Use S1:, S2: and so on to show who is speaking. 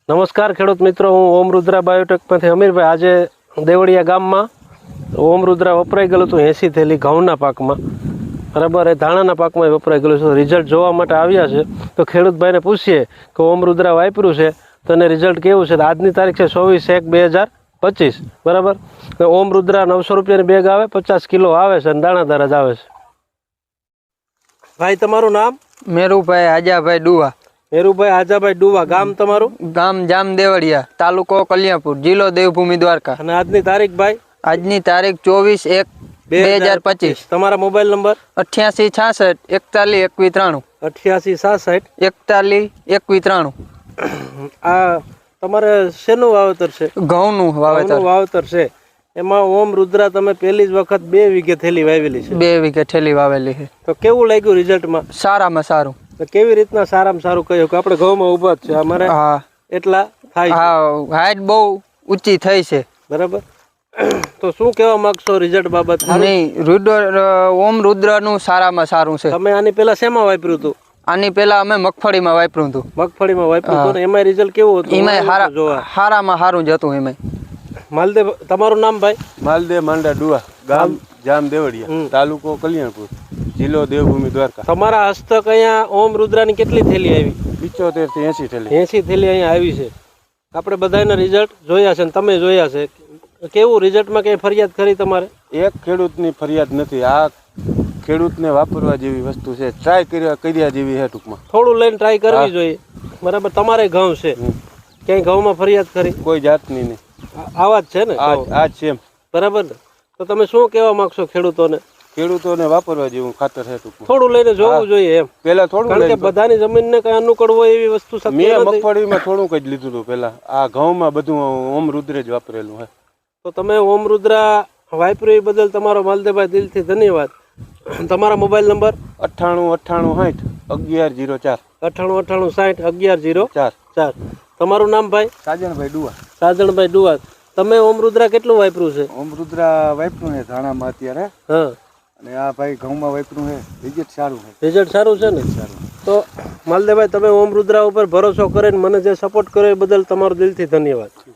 S1: નમસ્કાર ખેડૂત મિત્રો, હું ઓમ રુદ્રા બાયોટેકમાંથી અમીરભાઈ. આજે દેવળિયા ગામમાં ઓમ રુદ્રા વપરાઈ ગયેલું હતું 80 થેલી ઘઉંના પાકમાં, બરાબર. એ ધાણાના પાકમાં વપરાઈ ગયેલું છે. રિઝલ્ટ જોવા માટે આવ્યા છે તો ખેડૂતભાઈને પૂછીએ કે ઓમ રુદ્રા વાપર્યું છે તો એને રિઝલ્ટ કેવું છે. આજની તારીખ છે 24/1/2025, બરાબર. ઓમ રુદ્રા 900 રૂપિયાની બેગ આવે, 50 કિલો આવે છે અને દાણાદાર જ આવે છે. ભાઈ, તમારું નામ?
S2: મેરુભાઈ આજાભાઈ ડુવા.
S1: મેરુભાઈ આજાભાઈ ડુવા. ગામ તમારું?
S2: ગામ જામ દેવળિયા, તાલુકો કલ્યાણપુર, જિલ્લો દેવભૂમિ દ્વારકા.
S1: અને આજની તારીખ ભાઈ?
S2: આજની તારીખ 24/1/2025.
S1: તમારા મોબાઈલ નંબર?
S2: 8866 41
S1: 8866
S2: 41 41.
S1: આ તમારે શેનું વાવેતર છે?
S2: ઘઉંનું
S1: વાવેતર છે. એમાં ઓમ રુદ્રા તમે પહેલી જ વખત 2 વીઘે થેલી વાવેલી છે.
S2: 2 વીઘે થેલી વાવેલી છે.
S1: તો કેવું લાગ્યું રિઝલ્ટમાં?
S2: સારામાં સારું.
S1: કેવી રીતના સારામાં સારું કહ્યું કે આપણે ઘઉંમાં ઉભા જ છે અમારે?
S2: હા,
S1: એટલા થાય.
S2: હા, હાઈટ બહુ ઊંચી થઈ છે,
S1: બરાબર. તો શું કહેવા માંગશો રિઝલ્ટ બાબત?
S2: નહીં, ઓમ રુદ્રનું સારામાં સારું છે.
S1: તમે આની પહેલા શેમાં વાપર્યું હતું?
S2: આની પહેલા અમે મગફળીમાં વાપર્યું હતું.
S1: મગફળીમાં વાપર્યું હતું ને એમાં રિઝલ્ટ કેવું હતું?
S2: એમાં સારામાં સારું જ હતું. એમાં
S1: માલદેવ. તમારું નામ ભાઈ?
S3: માલદેવ માંડા ડુવા, ગામ જામ દેવળિયા, તાલુકો કલ્યાણપુર, જિલ્લો દેવભૂમિ દ્વારકા.
S1: તમારા હસ્તક અહીંયા ઓમ રુદ્રાની કેટલી થેલી આવી?
S3: 75 થી 80 થેલી.
S1: 80 થેલી અહીંયા આવી છે. આપણે બધાના રિઝલ્ટ જોયા છે ને તમે જોયા છે. કેવું રિઝલ્ટમાં કઈ ફરિયાદ કરી તમારે?
S3: એક ખેડૂતની ફરિયાદ નથી. આ ખેડૂતને વાપરવા જેવી વસ્તુ છે, ટ્રાય કર્યા જેવી છે. ટૂંકમાં થોડું
S1: લઈને ટ્રાય કરવી જોઈએ, બરાબર. તમારે ઘઉં છે, ક્યાંય ઘઉંમાં ફરિયાદ કરી?
S3: કોઈ જાતની નહીં.
S1: આવા જ છે ને?
S3: આ જ છે,
S1: બરાબર ને? તો તમે શું કહેવા માંગશો ખેડૂતોને?
S3: ખેડૂતોને વાપરવા જેવું ખાતર છે. ટૂંકમાં
S1: થોડું લઈને જોવું જોઈએ એમ.
S3: પેલા થોડું,
S1: કારણ કે બધાની જમીનને કઈ અનુકૂળ હોય એવી વસ્તુ શક્ય
S3: મેં
S1: નથી.
S3: મગફળીમાં થોડુંક જ લીધું હતું પેલા. આ ઘઉંમાં બધું ઓમ રુદ્ર જ વાપરેલું છે.
S1: તો તમે ઓમ રુદ્રા વાપર્યું એ બદલ તમારો માલદેવભાઈ દિલથી ધન્યવાદ. તમારા મોબાઈલ નંબર?
S3: 98 98 60 11 04.
S1: 98 60 11 04. તમારું નામ ભાઈ?
S3: સાજણભાઈ ડુવા.
S1: સાજણભાઈ ડુવા. તમે ઓમ રુદ્રા કેટલું વાપર્યું છે?
S3: ઓમ રુદ્રા વાપર્યું છે ધાણામાં અત્યારે.
S1: હા.
S3: અને આ ભાઈ ઘઉંમાં વાપર્યું છે. રિઝલ્ટ સારું છે.
S1: રિઝલ્ટ સારું છે ને? સારું. તો માલદેવભાઈ, તમે ઓમ રુદ્રા ઉપર ભરોસો કરીને મને જે સપોર્ટ કર્યો એ બદલ તમારો દિલથી ધન્યવાદ.